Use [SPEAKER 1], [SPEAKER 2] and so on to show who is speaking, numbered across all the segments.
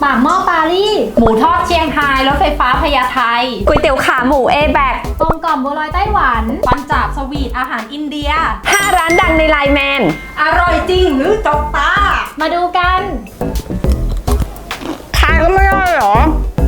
[SPEAKER 1] ปากหม้อปารีสหมูทอดเชียงไฮ้รถไฟฟ้าพญาไท
[SPEAKER 2] ก๋วยเตี๋ยวขาหมูเอแบก
[SPEAKER 1] กลมกล่อมบัวลอยไต้หวันปันจาบสวีทอาหารอินเดีย
[SPEAKER 2] 5 ร้านดังในไลน์แมน
[SPEAKER 1] อร่อยจริงหรือจกตามาดูกัน
[SPEAKER 2] ขายก็ไม่ได้หรอ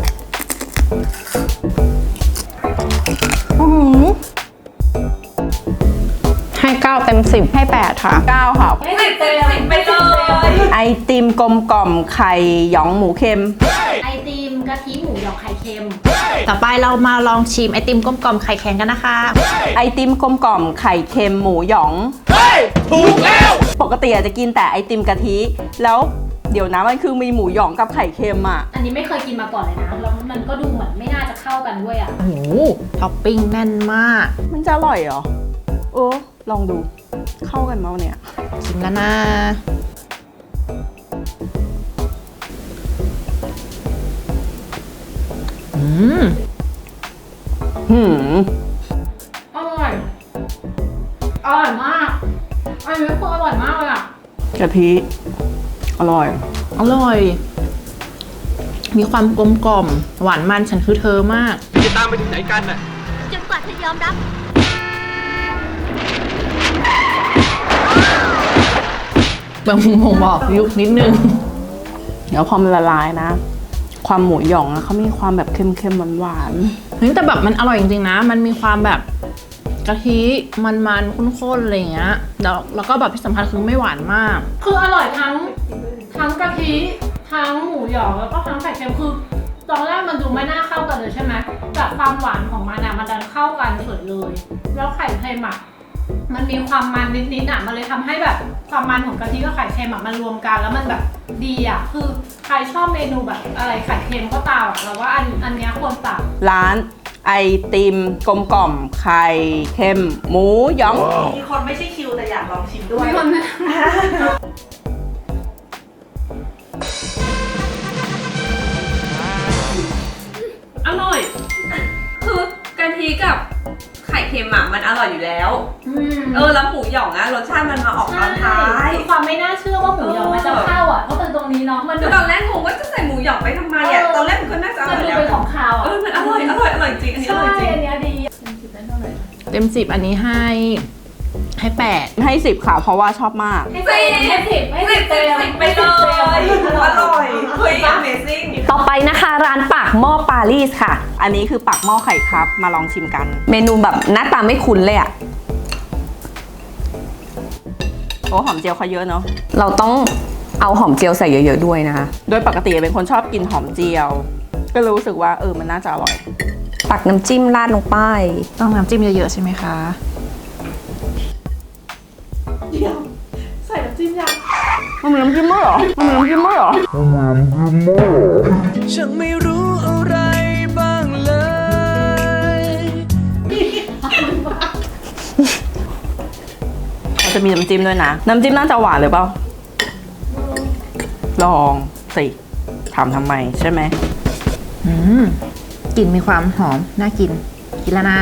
[SPEAKER 2] ให้9 เต็ม 10ให้8ค่ะ
[SPEAKER 3] 9ค่ะ
[SPEAKER 1] ให้10 เต็ม 10ไปเลย
[SPEAKER 3] ไอติมกลมกล่อมไข่หยองหมูเค็ม
[SPEAKER 1] ไอติมกะทิหมูหยองไข่เค็มต่อไปเรามาลองชิมไอติมกลมกล่อมไข่แข็งกันนะคะ
[SPEAKER 3] ไอติมกลมกล่อมไข่เค็มหมูหยองถูกแล้วปกติอาจจะกินแต่ไอติมกะทิแล้วเดี๋ยวนะมันคือมีหมูหยองกับไข่เค็มอ่ะ
[SPEAKER 1] อันนี้ไม่เคยกินมาก่อนเลยนะแล้วมันก็ดูเหมือนไม่น่าจะเข้ากันด้วยอ่ะ
[SPEAKER 2] โอ้โหท็อปปิ้งแน่นมาก
[SPEAKER 3] มันจะอร่อยเหรอลองดูเข้ากันมั้ยเนี่ย
[SPEAKER 2] ชิมแล้วนะ
[SPEAKER 1] อร่อยมากอันนี้คืออร่อยมากเลยอ่ะ
[SPEAKER 3] กะทิอร่อย
[SPEAKER 2] มีความกลมกล่อมหวานมันฉันคือเธอมาก
[SPEAKER 4] จะตามไปถึงไหนกันน่ะ
[SPEAKER 1] จนกว่าเธอยอมรับ
[SPEAKER 2] บางมุมบอกยุคนิดนึง
[SPEAKER 3] เดี๋ยวพอมันละลายนะความหมูหยองอะเขามีความแบบเค็มๆหวาน
[SPEAKER 2] ๆแต่แบบมันอร่อยจริงๆนะมันมีความแบบกะทิมันข้นๆอะไรอย่างเงี้ยแล้วก็แบบที่สำคัญคือไม่หวานมาก
[SPEAKER 1] คืออร่อยทั้งกะทิทั้งหมูหยองแล้วก็ทั้งไข่เค็มคือตอนแรกมันดูไม่น่าเข้ากันเลยใช่ไหมแต่ความหวานของมันอะมันดันเข้ากันสุดเลยแล้วไข่เค็มอะมันมีความมันนิดๆอ่ะมันเลยทำให้แบบความมันของกะทิกับไข่เค็มอ่ะมันรวมกันแล้วมันแบบดีอ่ะคือใครชอบเมนูแบบอะไรไข่เค็มก็ตามเราว่าอันนี้ควรสั่ง
[SPEAKER 3] ร้านไอติมกลมกล่อมไข่เค็มหมูหยอง
[SPEAKER 5] มีคนไม่ใช่คิวแต่อยากลองชิมด้วย
[SPEAKER 1] มีคน
[SPEAKER 5] อร่อยคือกะทิกับไข่เค็มอ่ะมันอร่อยอยู่แล้วแล้วหมูหยองอ่ะรสชาติมันมาออกตอนท้าย
[SPEAKER 1] ความไม่น่าเชื่อว่าหมูหยองมันจะเข้าอ่ะเพราะตรงนี้เนาะมัน
[SPEAKER 5] ตอนแรกงงว่าจะใส่หมูหยองไปทำไมอ่ะตอนแรกมันก็น่าจะอร่อย
[SPEAKER 1] แล้วมันดูเป็นของคาวอ่ะ
[SPEAKER 5] มันอร่อยจริงอันนี้อร่อยจริง
[SPEAKER 1] อันนี้ดี
[SPEAKER 2] เต็ม 10อันนี้ให้8
[SPEAKER 3] ให้10ค่ะเพราะว่าชอบมาก
[SPEAKER 1] ให้10
[SPEAKER 5] ไปเลยอร่อยเฮ้ย Amazing
[SPEAKER 2] ต่อไปนะคะร้านปากหม้อปารีสค่ะ
[SPEAKER 3] อันนี้คือปากหม้อไข่ครับมาลองชิมกัน
[SPEAKER 2] เมนูแบบหน้าตาไม่คุ้นเลยอะ
[SPEAKER 3] หอมเจียวเขาเยอะเนาะ
[SPEAKER 2] เราต้องเอาหอมเจียวใส่เยอะๆด้วยนะคะ
[SPEAKER 3] โดยปกติเป็นคนชอบกินหอมเจียวก็รู้สึกว่ามันน่าจะอร่อย
[SPEAKER 2] ตักน้ำจิ้มราดลงไปต้องน้ำจิ้มเยอะๆใช่ไหมคะ
[SPEAKER 5] เดี๋ยวใส่น้ำจิ้มยัง
[SPEAKER 3] มันมีน้ำจิ้มด้วยเหรอ
[SPEAKER 4] ฉันไม่รู้อะไรบ้างเลย
[SPEAKER 3] เราจะมีน้ำจิ้มด้วยนะน้ำจิ้มน่าจะหวานหรือเปล่าลองสิทำไมใช่ไหม
[SPEAKER 2] กลิ่นมีความหอมน่ากินแล้วนะ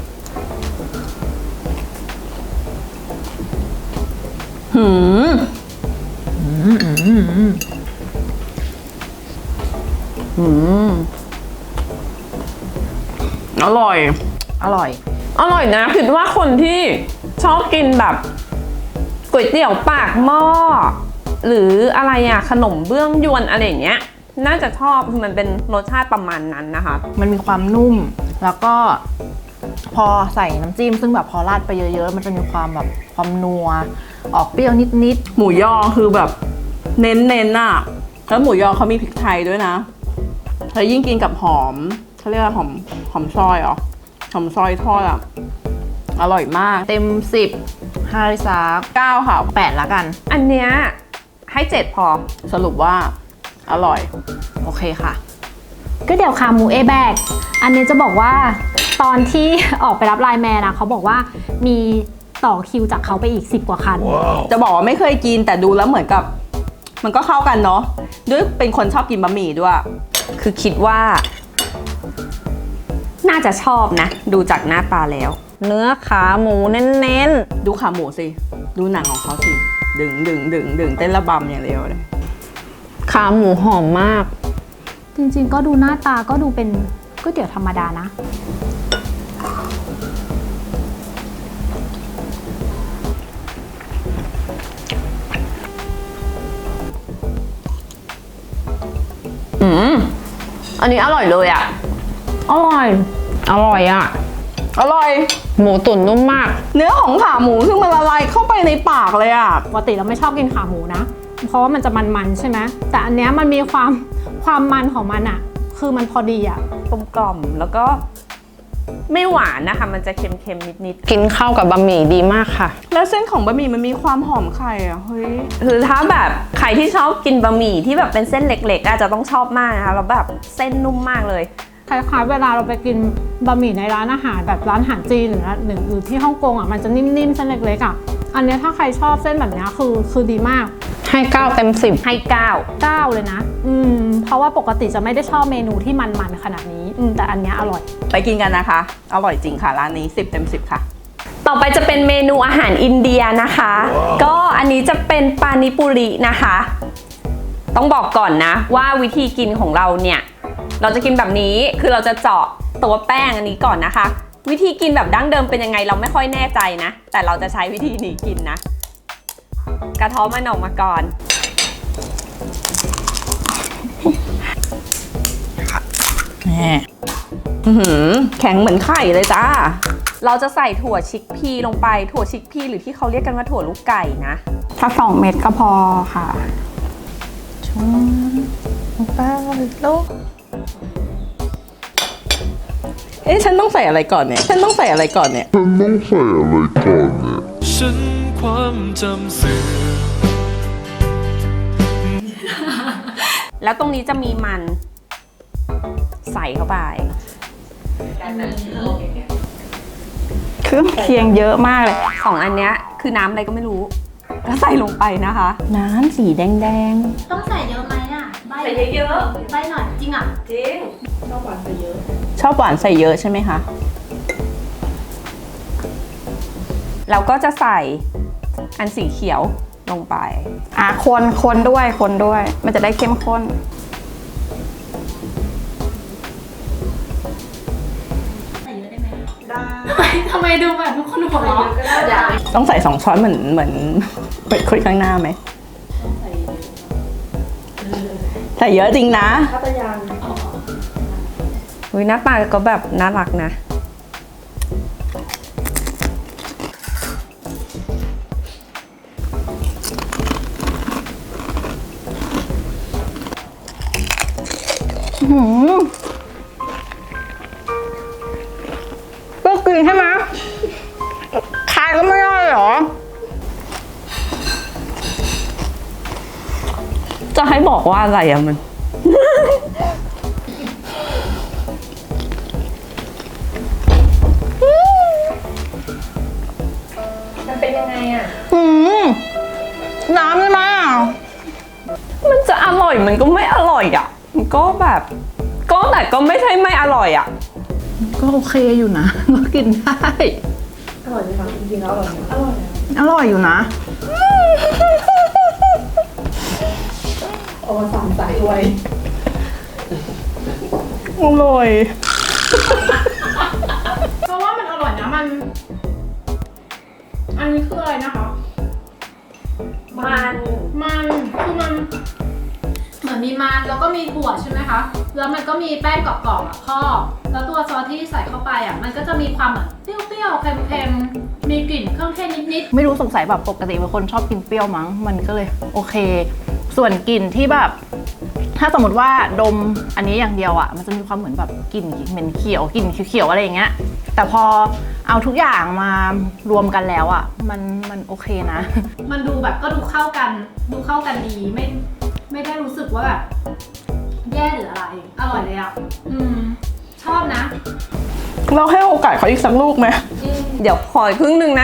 [SPEAKER 3] อร่อย
[SPEAKER 2] นะคิดว่าคนที่ชอบกินแบบก๋วยเตี๋ยวปากหม้อหรืออะไรอะขนมเบื้องยวนอะไรอย่างเงี้ยน่าจะชอบมันเป็นรสชาติประมาณนั้นนะคะมันมีความนุ่มแล้วก็พอใส่น้ำจิ้มซึ่งแบบพอราดไปเยอะๆมันจะมีความแบบความนัวออกเปรี้ยวนิด
[SPEAKER 3] ๆหมูยอคือแบบเน้นอะแล้วหมูยอเขามีพริกไทยด้วยนะแล้วยิ่งกินกับหอมเขาเรียกว่าหอมซอยเหรอหอมซอยทอดอะอร่อยมาก
[SPEAKER 2] เต็ม10ให้สัก
[SPEAKER 3] 9ค่ะ
[SPEAKER 2] 8ละกันอันเนี้ยให้7พอ
[SPEAKER 3] สรุปว่าอร่อย
[SPEAKER 2] โอเคค่ะ
[SPEAKER 1] ก็เดี๋ยวขาหมูเอแบกอันนี้จะบอกว่าตอนที่ออกไปรับไลน์แมนนะเขาบอกว่ามีต่อคิวจากเขาไปอีก10 กว่าคัน
[SPEAKER 3] จะบอกว่าไม่เคยกินแต่ดูแล้วเหมือนกับมันก็เข้ากันเนาะด้วยเป็นคนชอบกินบะหมี่ด้วย
[SPEAKER 2] คือคิดว่าน่าจะชอบนะดูจากหน้าตาแล้วเนื้อขาหมูเน้น
[SPEAKER 3] ๆดูขาหมูสิดูหนังของเขาสิดึงเต้นระบำอย่างเดียวเลย
[SPEAKER 2] ขาหมูหอมมาก
[SPEAKER 1] จริงๆก็ดูหน้าตาก็ดูเป็นก๋วยเตี๋ยวธรรมดานะ
[SPEAKER 2] อันนี้อร่อยเลยอ่ะ อร่อย อร่อยอ่ะ
[SPEAKER 3] อร่อย
[SPEAKER 2] หมูตุ๋นนุ่มมาก
[SPEAKER 3] เนื้อของขาหมูคือมันละลายเข้าไปในปากเลยอ่ะ
[SPEAKER 1] ปกติเราไม่ชอบกินขาหมูนะ เพราะว่ามันจะมันๆใช่ไหมแต่อันเนี้ยมันมีความมันของมันอะคือมันพอดีอะ
[SPEAKER 2] กลมกล่อมแล้วก็ไม่หวานนะคะ มันจะเค็มๆนิดๆกินเข้ากับบะหมี่ดีมากค่ะ
[SPEAKER 3] แล้วเส้นของบะหมี่มันมีความหอมไข่อ่ะ เฮ้ย
[SPEAKER 2] คือถ้าแบบใครที่ชอบกินบะหมี่ที่แบบเป็นเส้นเล็กๆอาจจะต้องชอบมากนะคะแล้วแบบเส้นนุ่มมากเลย
[SPEAKER 1] คล้ายๆเวลาเราไปกินบะหมี่ในร้านอาหารแบบร้านอาหารจีนหรือที่ฮ่องกงอะมันจะนิ่มๆเส้นเล็กๆอะอันเนี้ยถ้าใครชอบเส้นแบบเนี้ยคือดีมาก
[SPEAKER 2] ให้9เต็ม10ให้9
[SPEAKER 1] 9เลยนะเพราะว่าปกติจะไม่ได้ชอบเมนูที่มันๆขนาดนี้แต่อันเนี้ยอร่อย
[SPEAKER 3] ไปกินกันนะคะ อร่อยจริงค่ะร้านนี้10 เต็ม 10 ค่ะ
[SPEAKER 2] ต่อไปจะเป็นเมนูอาหารอินเดียนะคะ ก็อันนี้จะเป็นปานิปุรินะคะ ต้องบอกก่อนนะว่าวิธีกินของเราเนี่ยเราจะกินแบบนี้คือเราจะเจาะตัวแป้งอันนี้ก่อนนะคะ วิธีกินแบบดั้งเดิมเป็นยังไงเราไม่ค่อยแน่ใจนะแต่เราจะใช้วิธีนี้กินนะกระเท้อมันออกมาก่อน
[SPEAKER 3] แข็งเหมือนไข่เลยจ้า
[SPEAKER 2] เราจะใส่ถั่วชิกพีลงไปถั่วชิกพีหรือที่เขาเรียกกันว่าถั่วลูกไก่นะ
[SPEAKER 1] ถ้า2 เม็ดก็พอค่ะ
[SPEAKER 3] เอ๊ะฉันต้องใส่อะไรก่อนเนี่ย
[SPEAKER 4] ฉันความจำเสื่อม
[SPEAKER 2] แล้วตรงนี้จะมีมันใส่เข้าไป
[SPEAKER 3] เครื่องเคียงเยอะมากเลย
[SPEAKER 2] 2 อันเนี้ยคือน้ำอะไรก็ไม่รู้ก็ใส่ลงไปนะคะ
[SPEAKER 3] น้ำสีแดง
[SPEAKER 6] ต้องใส่เยอะไหมอ่ะใบ
[SPEAKER 5] ใส่เยอะ
[SPEAKER 6] ใบหน่อยจริงอ่ะ
[SPEAKER 5] ๆจริง
[SPEAKER 3] ๆ ชอบหวานใส่เยอะใช่ไหมคะ
[SPEAKER 2] เราก็จะใส่อันสีเขียวลงไป
[SPEAKER 7] คนด้วย มันจะได้เข้มข้น
[SPEAKER 6] ใส่เยอะได้ไหม
[SPEAKER 1] ทำไมดูแบบทุกคนหัวเราะ
[SPEAKER 3] ต้องใส่2 ช้อนเหมือนเปิดคุยข้างหน้าไหม ใส่เยอะจริงนะ
[SPEAKER 2] อุ๊ยหน้าตาก็แบบน่ารักนะ
[SPEAKER 7] ก็กินใช่ไหมคายก็ไม่ได้เหรอ
[SPEAKER 2] จะให้บอกว่าอะไรอะมัน
[SPEAKER 5] มันเป็นยังไงอ่ะ
[SPEAKER 7] น้ำใช่ไหมอ่ะ
[SPEAKER 2] มันจะอร่อยมันก็ไม่อร่อยอะมันก็แบบแต่ก็ไม่ใช่ไม่อร่อยอะ
[SPEAKER 7] ก็โอเคอยู่นะ ก็กินได้ อร่อยไหมคะจริงๆแล้วอร่อยอยู่นะ
[SPEAKER 3] อร่อย
[SPEAKER 1] เพราะว่ามันอร่อยนะมัน อันนี้คืออะไรนะคะ มันคือมันเหมือนมีมันแล้วก็มีถั่วใช่ไหมคะ แล้วมันก็มีแป้งกรอบๆอ่ะครอบแล้วตัวซอสที่ใส่เข้าไปอ่ะมันก็จะมีความแบบเปรี้ยวๆเค็มๆมีกลิ่นเครื่องเทศนิด
[SPEAKER 7] ไม่รู้สงสัยแบบปกติเป็นคนชอบกินเปรี้ยวมั้ง มันก็เลยโอเค ส่วนกลิ่นที่แบบ ถ้าสมมติว่าดมอันนี้อย่างเดียวอ่ะ มันจะมีความเหมือนแบบกลิ่นเหม็นเขียวกลิ่นเขียวๆอะไรอย่างเงี้ย แต่พอเอาทุกอย่างมารวมกันแล้วอ่ะ มันโอเคนะ
[SPEAKER 1] ๆมันดูแบบก็ดูเข้ากันดีไม่ได้รู้สึกว่าแบบแย่หรืออะไร อร่อยเลยอ่ะชอบนะ
[SPEAKER 3] เราให้โอกาสเขาอีกสักลูกไหม
[SPEAKER 2] เดี๋ยวขออีกครึ่งหนึงนะ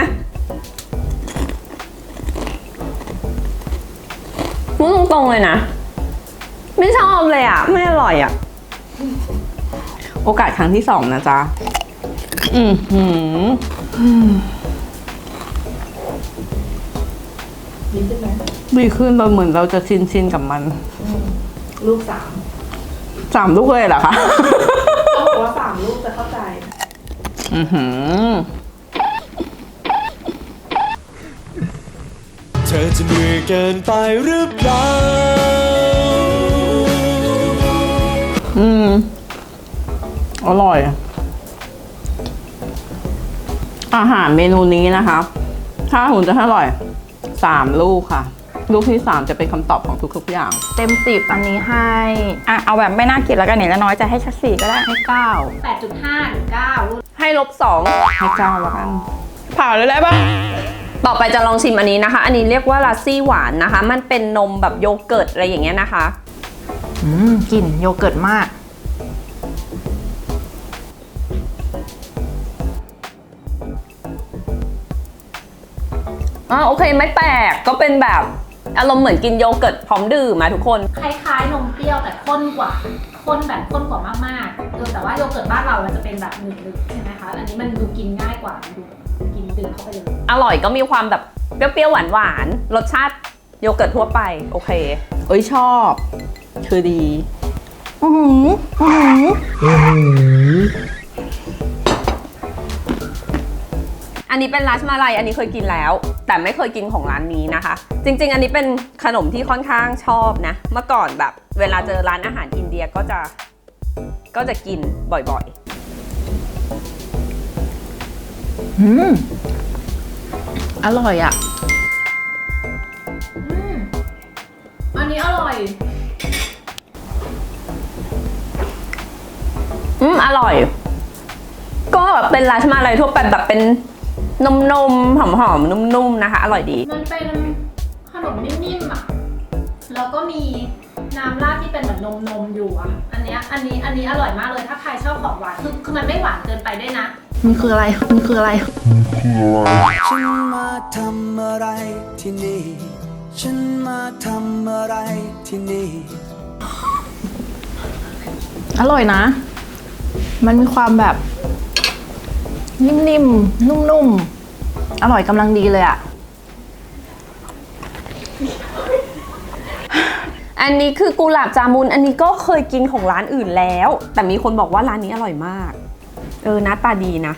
[SPEAKER 2] พูดตรงๆเลยนะ ไม่ชอบเลยอะไม่อร่อยอะ
[SPEAKER 3] โอกาสครั้งที่ 2 นะจ๊ะ ดีขึ้นเราเหมือนเราจะชินกับมัน ลูก 3 3 ลูกเลยเหรอคะ
[SPEAKER 2] เขาบอกว่า3 ลูกจะเข้าใจ
[SPEAKER 3] อือหือ
[SPEAKER 4] เธอจะเหนื่อยเกินไปหรือเปล่า
[SPEAKER 3] อร่อย อาหารเมนูนี้นะคะ ถ้าหุ่นจะอร่อย 3 ลูกค่ะ ลูกที่ 3 จะเป็นคำตอบของทุกๆอย่าง
[SPEAKER 7] เต็ม10อันนี้ให้
[SPEAKER 8] อ่ะเอาแบบไม่น่ากินแล้วกันเนี่ยแล้วน้อยจะให้ชัด4ก็ได้
[SPEAKER 7] ให้
[SPEAKER 6] 8.5 ถึง 9 รุ่น
[SPEAKER 2] ให้2
[SPEAKER 3] ให้เจ้าแล้วกัน ผ่านเลยได้ปะ
[SPEAKER 2] ต่อไปจะลองชิมอันนี้นะคะ อันนี้เรียกว่าลาซี่หวานนะคะ มันเป็นนมแบบโยเกิร์ตอะไรอย่างเงี้ยนะคะ
[SPEAKER 7] 9กลิ่นโยเกิร์ตมาก
[SPEAKER 2] โอเคไม่แปลกก็เป็นแบบอารมณ์เหมือนกินโยเกิร์ตพร้อมดื่มมาทุกคน
[SPEAKER 6] คล้ายๆนมเปรี้ยวแต่ข้นกว่า ข้นกว่ามากๆแต่ว่าโยเกิร์ตบ้านเรามันจะเป็นแบบหนึบๆใช่ไหมคะ อันนี้มันดูกินง่ายกว่ามันดูกินดื่มเข้าไปเลย
[SPEAKER 2] อร่อยก็มีความแบบเปรี้ยวๆหวานๆรสชาติโยเกิร์ตทั่วไปโอเค
[SPEAKER 3] เอ้ยชอบ คือดี
[SPEAKER 2] อันนี้เป็นราสมาลัยอันนี้เคยกินแล้ว แต่ไม่เคยกินของร้านนี้นะคะ จริงๆ อันนี้เป็นขนมที่ค่อนข้างชอบนะ เมื่อก่อนแบบเวลาเจอร้านอาหารอินเดียก็จะกินบ่อยๆ
[SPEAKER 7] อร่อยอ่ะ
[SPEAKER 6] อันนี้อร่อย
[SPEAKER 2] อร่อย ก็เป็นราสมาลัยทั่วไปแบบเป็นนมๆหอมๆนุ่มๆนะคะ อร่อยดี
[SPEAKER 6] มันเป็นขนมนิ่มๆอ่ะ แล้วก็มีน้ำราดที่เป็นเหมือนนมอยู่อ่ะ อันนี้อร่อยมากเลยถ้าใครชอบของหวาน คือมันไม่หวานเกินไปด้วยนะ
[SPEAKER 7] มันคืออะไร มันคืออะไร
[SPEAKER 4] ฉันมาทำอะไรที่นี่ ฉันมาทำอะไรที่นี่
[SPEAKER 7] อร่อยนะ มันมีความแบบนิ่มๆ นุ่มๆ อร่อยกำลังดีเลยอะ
[SPEAKER 2] อันนี้คือกุหลาบจามุน อันนี้ก็เคยกินของร้านอื่นแล้ว แต่มีคนบอกว่าร้านนี้อร่อยมาก หน้าตาดีนะ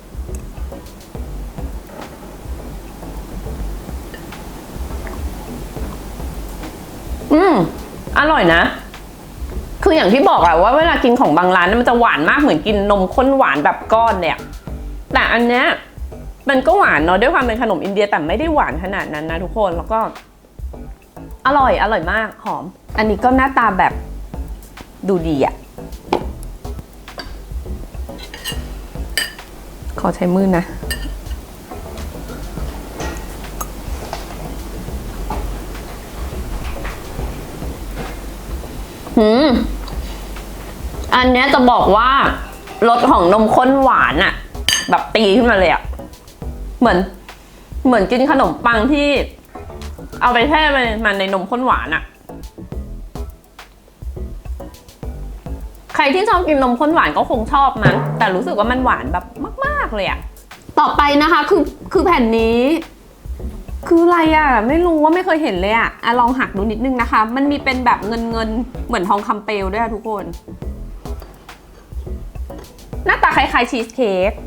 [SPEAKER 2] อร่อยนะ คืออย่างที่บอกอะว่าเวลากินของบางร้านมันจะหวานมากเหมือนกินนมข้นหวานแบบก้อนเนี่ย แต่อันเนี้ยมันก็หวานเนาะด้วยความเป็นขนมอินเดียแต่ไม่ได้หวานขนาดนั้นนะทุกคนแล้วก็ อร่อยมากหอม อันนี้ก็หน้าตาแบบดูดีอะขอใช้มือนะอันเนี้ยจะบอกว่ารสของนมข้นหวานอะแบบตีขึ้นมาเลยอะเหมือนกินขนมปังที่เอาไปแช่มันในนมข้นหวานอะใครที่ชอบกินนมข้นหวานก็คงชอบมั้งแต่รู้สึกว่ามันหวานแบบมากๆเลยอะต่อไปนะคะคือแผ่นนี้ คืออะไรอะไม่รู้ว่าไม่เคยเห็นเลยอะลองหักดูนิดนึงนะคะ มันมีเป็นแบบเงินเหมือนทองคำเปลวด้วยอะทุกคน หน้าตาคล้ายๆชีสเค้ก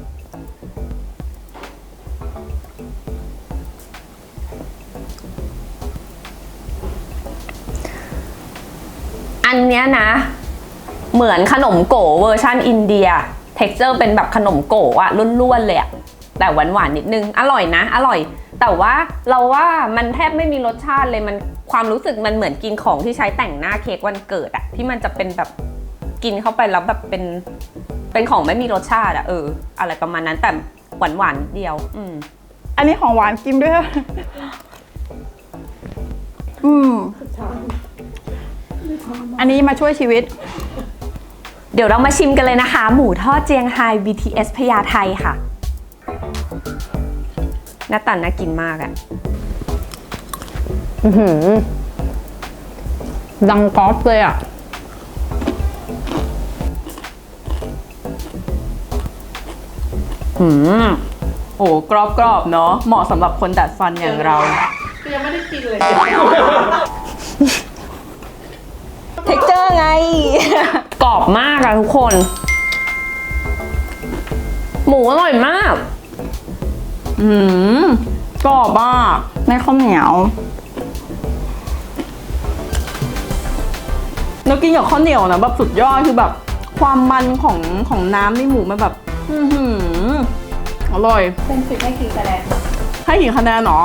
[SPEAKER 2] อันเนี้ยนะเหมือนขนมโก๋เวอร์ชันอินเดีย texture เป็นแบบขนมโก๋อะล้วนๆเลยอะแต่หวานๆนิดนึงอร่อยนะอร่อยแต่ว่าเราว่ามันแทบไม่มีรสชาติเลยมันความรู้สึกมันเหมือนกินของที่ใช้แต่งหน้าเค้กวันเกิดอะที่มันจะเป็นแบบกินเข้าไปแล้วแบบเป็นของไม่มีรสชาติอะอะไรประมาณนั้นแต่หวานๆนิดเดียว
[SPEAKER 8] อันนี้ของหวานกินด้วย อันนี้มาช่วยชีวิต
[SPEAKER 2] เดี๋ยวเรามาชิมกันเลยนะคะ หมูทอดเจียงไฮ้ BTS พญาไทค่ะหน้าตาน่ากินมากอะ
[SPEAKER 8] ดังก๊อฟเลยอ่ะ
[SPEAKER 3] โอ้กรอบๆเนาะเหมาะสำหรับคนดัดฟันอย่างเรา
[SPEAKER 1] ยังไม่ได้กินเลย
[SPEAKER 2] เท็กเจอร์ไงอบมากอะทุกคน หมูอร่อยมาก
[SPEAKER 3] กรอบมาก
[SPEAKER 8] ในข้าวเหนียว
[SPEAKER 3] แล้วกินกับข้าวเหนียวนะแบบสุดยอดคือแบบความมันของน้ำในหมูมันแบบอร่อย
[SPEAKER 6] เป็นสิบให้กี่คะแนน
[SPEAKER 3] ให้กี่คะแนนหรอ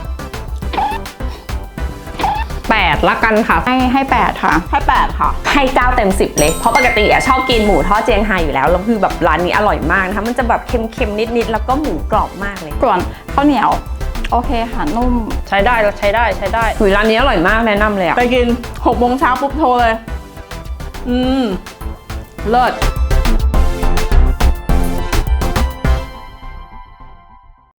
[SPEAKER 2] 8 ละกันค่ะ
[SPEAKER 8] ให้8ค่ะ
[SPEAKER 3] ให้8ค่ะ
[SPEAKER 2] ให้9 เต็ม 10 เลย เพราะปกติอะชอบกินหมูทอดเจียงไฮ้อยู่แล้วแล้วคือแบบร้านนี้อร่อยมากนะคะมันจะแบบเค็มๆนิดๆแล้วก็หมูกรอบมากเลย
[SPEAKER 8] ส่วนข้าวเหนียว โอเคค่ะนุ่ม
[SPEAKER 2] ใช้ได้ใช้ได้หุยร้านนี้อร่อยมากแนะนำเลยอะ
[SPEAKER 3] ไปกิน6 โมงเช้าปุ๊บโทรเลย เลิศ